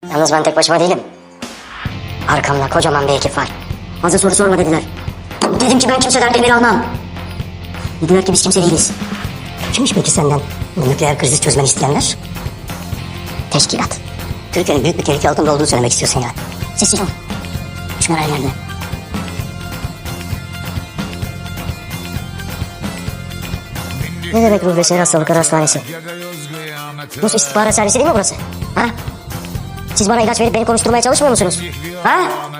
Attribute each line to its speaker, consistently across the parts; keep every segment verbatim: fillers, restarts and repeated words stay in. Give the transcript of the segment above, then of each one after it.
Speaker 1: Yalnız ben tek başıma değilim. Arkamda kocaman bir ekip var. Fazla soru sorma dediler. Dedim ki ben kimseden emir almam. Dediler ki biz kimse değiliz. Kimmiş peki senden bu nükleer krizi çözmeni isteyenler? Teşkilat. Türkiye'nin büyük bir tehlike altında olduğunu söylemek istiyorsun yani. Sessiz ol. Şunlar her yerde. Ne demek ruh ve şehir hastalıkları hastanesi? Rus istihbarat servisi değil mi burası? Ha? Siz bana ilaç verip beni konuşturmaya çalışmıyor musunuz? Ha?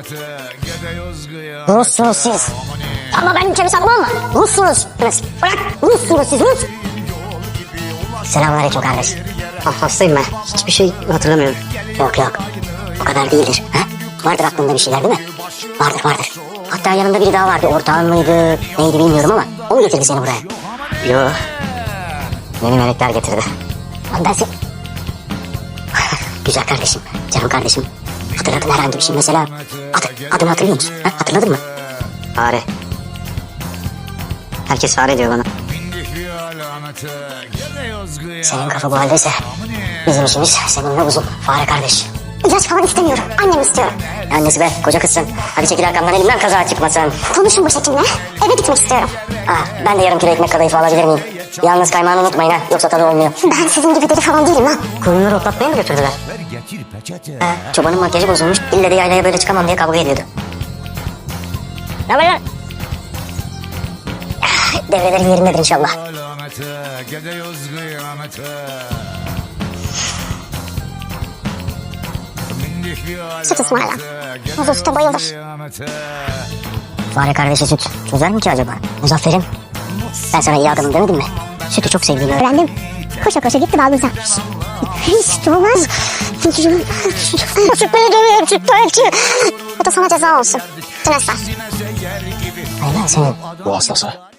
Speaker 1: Russunuz siz. Ama benim ülkemi savunmam mı? Russunuz. Bırak. Russunuz siz Rus. Selamünaleyküm kardeş. Ah, hastayım ben. Hiçbir şey hatırlamıyorum. Yok yok. O kadar değildir. Ha? Vardır aklında bir şeyler değil mi? Vardır vardır. Hatta yanında biri daha vardı. Ortağın mıydı? Neydi bilmiyorum ama. O mu getirdi seni buraya? Yok. Beni melekler getirdi. Lan ben sen... Güzel kardeşim. Canım kardeşim. Hatırladın herhangi bir şey mesela. Adı, adını hatırlıyor musun? Ha? Hatırladın mı? Fare. Herkes fare diyor bana. Senin kafa bu haldeyse bizim işimiz seninle uzun. Fare kardeş. İlaç falan istemiyorum. Annem istiyorum. Annesi be, koca kızsın. Hadi çekil arkamdan, elimden kaza çıkmasın. Konuşun başhekimle. Eve gitmek istiyorum. Ah, ben de yarım kilo ekmek kadayıfı alabilir miyim? Yalnız kaymağını unutmayın ha, yoksa tadı olmuyor. Ben sizin gibi deli falan değilim lan. Koyunları otlatmaya mı götürdüler? Ha, çobanın makyajı bozulmuş. İlle de yaylaya böyle çıkamam diye kavga ediyordu. Ne haber lan? Devrelerin yerindedir inşallah. Süt ısmarla. Muzu süte bayılır. Fare kardeşi süt çözer mi ki acaba? Muzaffer'im, ben sana iyi adamım demedim mi? Sütü çok sevdiğini öğrendim. Koşa koşa gitti balbuza. Hiç olmaz. Süt beni dövüyor, süt belki. Bu da sana ceza olsun. Tünesler. Hayır ben senin.
Speaker 2: Bu hastası.